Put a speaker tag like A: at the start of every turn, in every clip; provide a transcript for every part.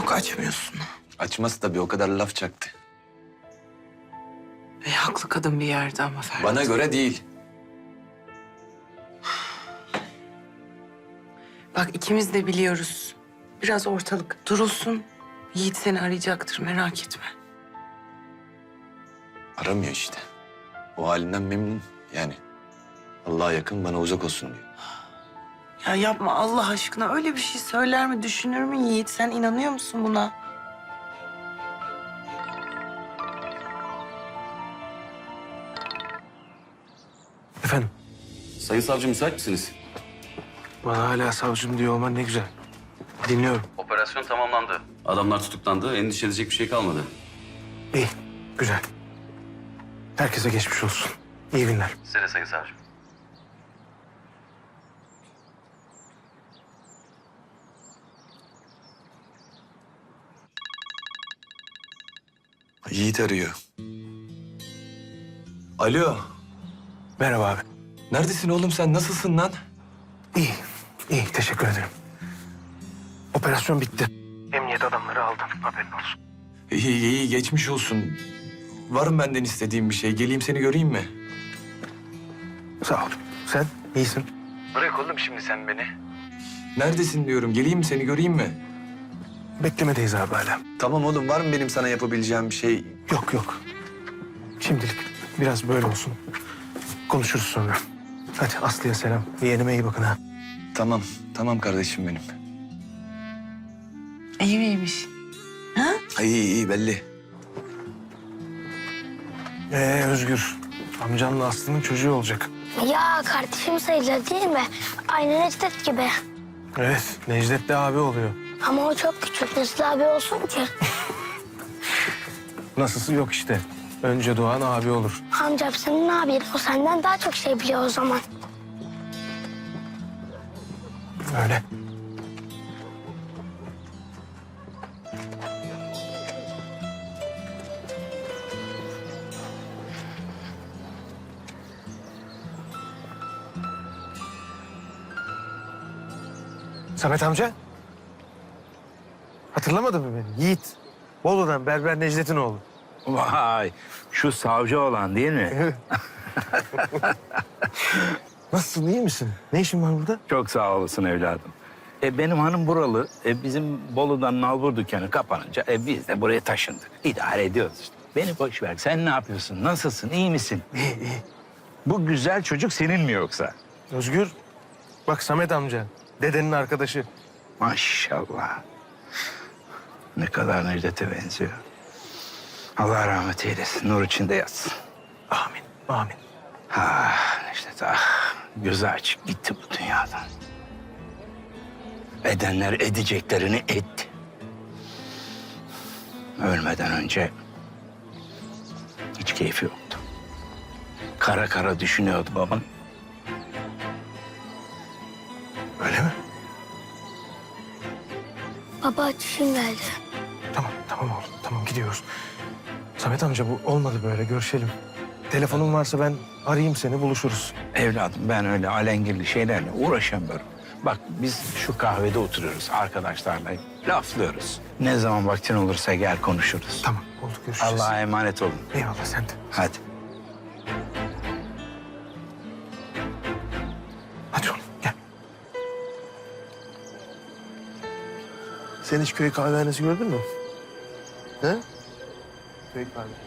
A: Yok, açmıyorsun.
B: Açması tabii, o kadar laf çaktı.
A: Haklı kadın bir yerde ama Ferhat.
B: Bana göre değil.
A: Bak, ikimiz de biliyoruz. Biraz ortalık durulsun. Yiğit seni arayacaktır, merak etme.
B: Aramıyor işte. O halinden memnun yani. Allah'a yakın, bana uzak olsun diyor.
A: Ya yapma Allah aşkına, öyle bir şey söyler mi, düşünür mü Yiğit? Sen inanıyor musun buna?
C: Efendim,
D: Sayın savcı müsait misiniz?
C: bana hala savcım diyor olman ne güzel. Dinliyorum.
D: Operasyon tamamlandı. Adamlar tutuklandı. Endişe edecek bir şey kalmadı.
C: İyi, güzel. Herkese geçmiş olsun. İyi günler.
D: Size de sayın savcım.
B: Yiğit arıyor. Alo.
C: Merhaba abi.
B: Neredesin oğlum sen? Nasılsın lan?
C: İyi, iyi. Teşekkür ederim. Operasyon bitti. Emniyet adamları aldı. Haberin olsun.
B: İyi, iyi. Geçmiş olsun. Var mı benden istediğin bir şey? Geleyim seni göreyim mi?
C: Sağ ol. Sen iyisin.
B: Bırak oğlum şimdi sen beni. Neredesin diyorum. Geleyim mi seni göreyim mi?
C: Beklemedeyiz abi hala.
B: Tamam oğlum, var mı benim sana yapabileceğim bir şey?
C: Yok, yok. Şimdilik biraz böyle olsun. Konuşuruz sonra. Hadi Aslı'ya selam. Yeğenime iyi bakın ha.
B: Tamam, tamam kardeşim benim.
A: İyi miymiş?
B: İyi, iyi belli.
C: Özgür. Amcanla Aslı'nın çocuğu olacak.
E: Ya kardeşim sayılır değil mi? Aynı Necdet gibi.
C: Evet, Necdet de abi oluyor.
E: Ama o çok küçük. Nasıl abi olsun ki?
C: Nasılsı yok işte. Önce doğan abi olur.
E: Amcam senin abin. O senden daha çok şey biliyor o zaman.
C: Öyle. Samet amca. Hatırlamadın mı beni? Yiğit. Bolu'dan Berber Necdet'in oğlu.
F: Vay, şu savcı olan değil mi?
C: Nasılsın, iyi misin? Ne işin var burada?
F: Çok sağ olasın evladım. Benim hanım buralı. Bizim Bolu'dan nalbur dükkanı kapanınca biz de buraya taşındık. İdare ediyoruz işte. Beni boş ver. Sen ne yapıyorsun? Nasılsın? İyi misin?
C: İyi, iyi.
F: Bu güzel çocuk senin mi yoksa?
C: Özgür. Bak Samet amca. Dedenin arkadaşı.
F: Maşallah. Ne kadar Necdet'e benziyor. Allah rahmet eylesin. Nur içinde yatsın.
C: Amin, amin.
F: Ah Necdet ah. Gözü açık gitti bu dünyadan. Edenler edeceklerini etti. Ölmeden önce hiç keyfi yoktu. Kara kara düşünüyordu babam.
C: Öyle mi?
E: Baba çişim geldi.
C: Tamam, tamam oğlum. Tamam, gidiyoruz. Samet amca bu olmadı böyle. Görüşelim. Telefonun varsa ben arayayım seni, buluşuruz.
F: Evladım ben öyle alengirli şeylerle uğraşamıyorum. Bak biz şu kahvede oturuyoruz arkadaşlarla laflıyoruz. Ne zaman vaktin olursa gel konuşuruz.
C: Tamam, oldu. Görüşeceğiz.
F: Allah'a emanet olun.
C: Eyvallah, sen de.
F: Hadi.
C: Hadi oğlum, gel. Sen hiç köy kahvehanesi gördün mü? He? Köy kahvehanesi.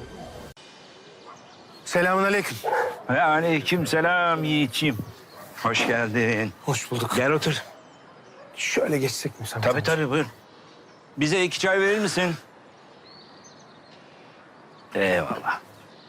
C: Selamünaleyküm.
F: Aleykümselam Yiğit'ciğim. Hoş geldin.
C: Hoş bulduk.
F: Gel otur.
C: Şöyle geçsek mi Samet
F: Tabii
C: amca?
F: tabii buyur. Bize 2 çay verir misin? Eyvallah.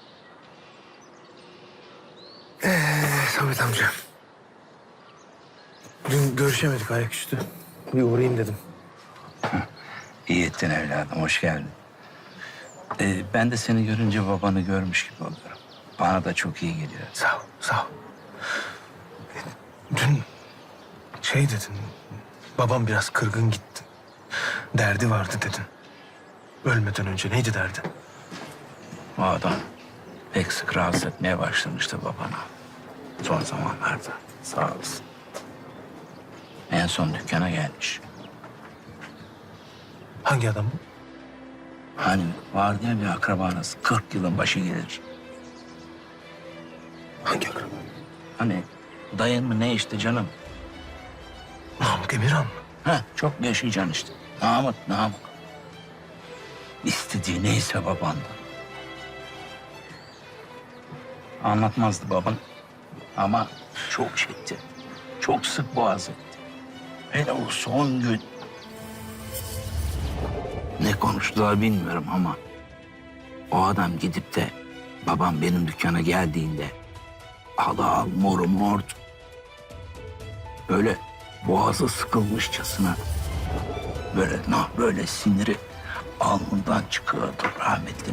C: Samet amca. Dün görüşemedik ayaküstü. Bir uğrayayım dedim.
F: İyi ettin evladım, hoş geldin. Ben de seni görünce babanı görmüş gibi oluyorum. Bana da çok iyi geliyor.
C: Sağ ol, sağ ol. Dün şey dedin, babam biraz kırgın gitti. Derdi vardı dedin. Ölmeden önce neydi derdi?
F: O adam pek sık rahatsız etmeye başlamıştı babana. Son zamanlarda. Sağ olasın. En son dükkana gelmiş.
C: Hangi adam bu?
F: Hani vardı ya bir akrabanız 40 yılın başı gelir.
C: Hangi akraba?
F: Hani dayın mı ne işte canım.
C: Namık Emirhan mı?
F: Ha çok yaşayacaksın işte. Namık. İstediği neyse babandan. Anlatmazdı baban. Ama çok çekti. Çok sık boğaz etti. Hele o son gün. Ne konuştular bilmiyorum ama o adam gidip de babam benim dükkana geldiğinde al moru mordu. Böyle boğazı sıkılmışçasına böyle siniri alnından çıkıyordu rahmetli.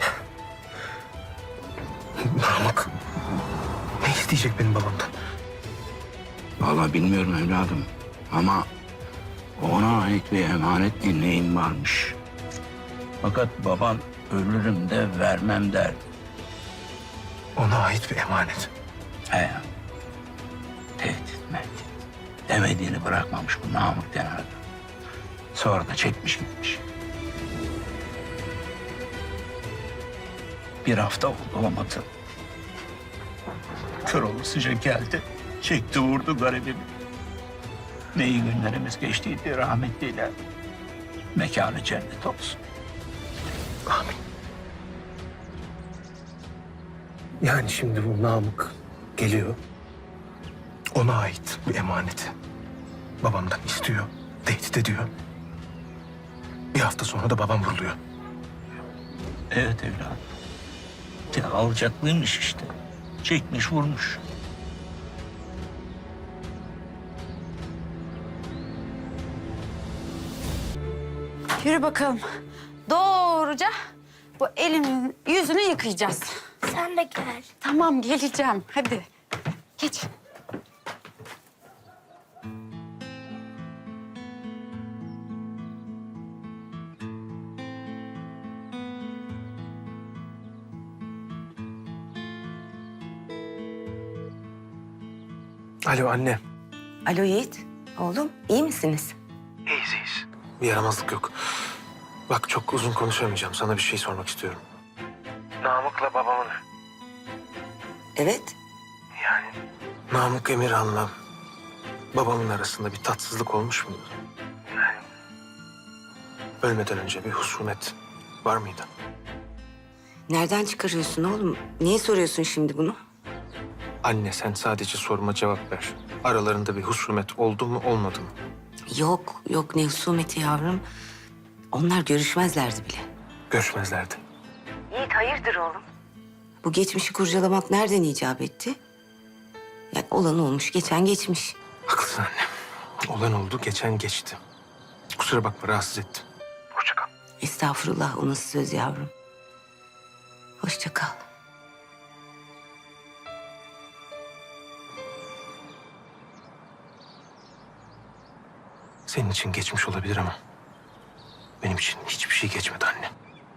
C: Namık. Ne isteyecek benim babamdan?
F: Vallahi bilmiyorum evladım ama ona ait bir emanet dinleyin varmış. Fakat baban ölürüm de vermem derdi.
C: Ona ait bir emanet.
F: He. Tehdit. Demediğini bırakmamış bu Namık denen adam. Sonra da çekmiş gitmiş. Bir hafta oldu olmadı. Kör olasıca geldi. Çekti vurdu garibimi. Ne iyi günlerimiz geçtiydi rahmetliyle. Mekanı cennet olsun.
C: Amin. Yani şimdi bu Namık geliyor. Ona ait bir emaneti babamdan istiyor, tehdit ediyor. Bir hafta sonra da babam vuruluyor.
F: Evet evladım. Ya alacaklıymış işte. Çekmiş vurmuş.
G: Yürü bakalım. Doğruca bu elinin yüzünü yıkayacağız.
E: Sen de gel.
G: Tamam geleceğim. Hadi. Geç.
C: Alo anne.
A: Alo Yiğit. Oğlum iyi misiniz?
C: İyiyiz. Bir yaramazlık yok. Bak çok uzun konuşamayacağım. Sana bir şey sormak istiyorum. Namık'la babamın...
A: Evet.
C: Namık Emirhan'la babamın arasında bir tatsızlık olmuş muydu? Ölmeden önce bir husumet var mıydı?
A: Nereden çıkarıyorsun oğlum? Niye soruyorsun şimdi bunu?
C: Anne sen sadece soruma cevap ver. Aralarında bir husumet oldu mu olmadı mı?
A: Yok ne husumeti yavrum. Onlar görüşmezlerdi bile.
C: Görüşmezlerdi.
A: Yiğit hayırdır oğlum? Bu geçmişi kurcalamak nereden icap etti? Yani olan olmuş, geçen geçmiş.
C: Haklısın anne. Olan oldu, geçen geçti. Kusura bakma, rahatsız ettim. Hoşça kal.
A: Estağfurullah, o nasıl söz yavrum? Hoşça kal.
C: Senin için geçmiş olabilir ama benim için hiçbir şey geçmedi anne.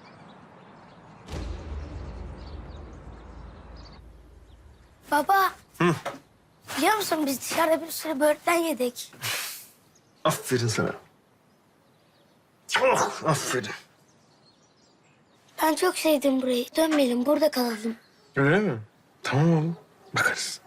E: Baba. Biliyor musun biz dışarıda bir sürü böğürtlen yedik.
C: Aferin sana. Oh, aferin.
E: Ben çok sevdim burayı. Dönmeyelim, burada kalalım.
C: Öyle mi? Tamam oğlum. Bakarız.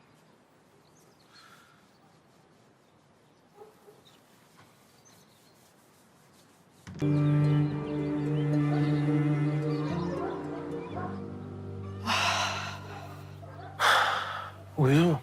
C: Uyuyor mu?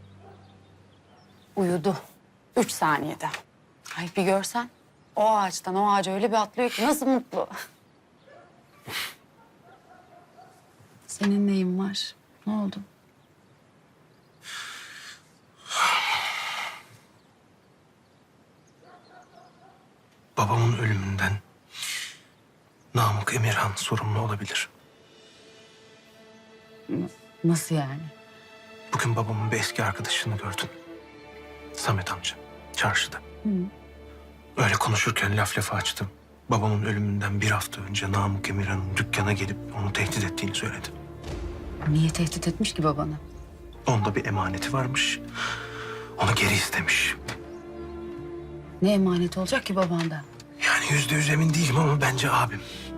G: Uyudu. 3 saniyede. Ay bir görsen. O ağaçtan o ağaca öyle bir atlıyor ki nasıl mutlu. Senin neyin var? Ne oldu?
C: Babamın ölümünden Namık Emirhan sorumlu olabilir.
G: Nasıl yani?
C: Bugün babamın bir eski arkadaşını gördün. Samet amca, çarşıda. Öyle konuşurken laf lafa açtım. Babamın ölümünden bir hafta önce Namık Emirhan'ın dükkana gelip onu tehdit ettiğini söyledi.
G: Niye tehdit etmiş ki babanı?
C: Onda bir emaneti varmış. Onu geri istemiş.
G: Ne emaneti olacak ki babanda?
C: Yani %100 emin değilim ama bence abim.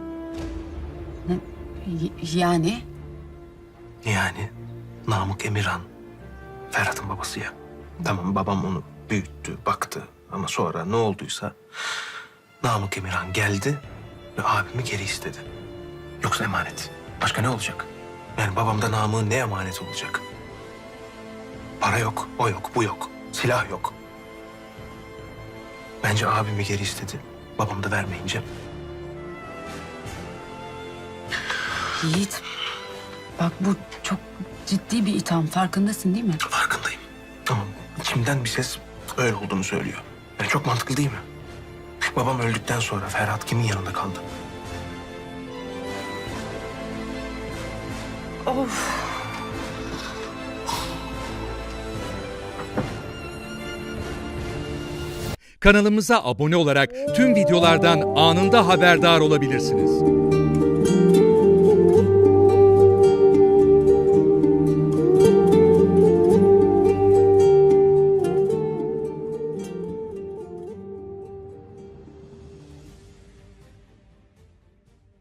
G: Yani?
C: Yani Namık Emirhan, Ferhat'ın babası ya. Tamam, babam onu büyüttü, baktı ama sonra ne olduysa Namık Emirhan geldi ve abimi geri istedi. Yoksa emanet. Başka ne olacak? Yani babamda Namık'ın ne emanet olacak? Para yok, o yok, bu yok. Silah yok. Bence abimi geri istedi. Babam da vermeyince.
G: Yiğit, bak bu çok ciddi bir itham. Farkındasın değil mi?
C: Farkındayım. Ama içimden bir ses öyle olduğunu söylüyor. Yani çok mantıklı değil mi? Babam öldükten sonra Ferhat kimin yanında kaldı?
H: Kanalımıza abone olarak tüm videolardan anında haberdar olabilirsiniz.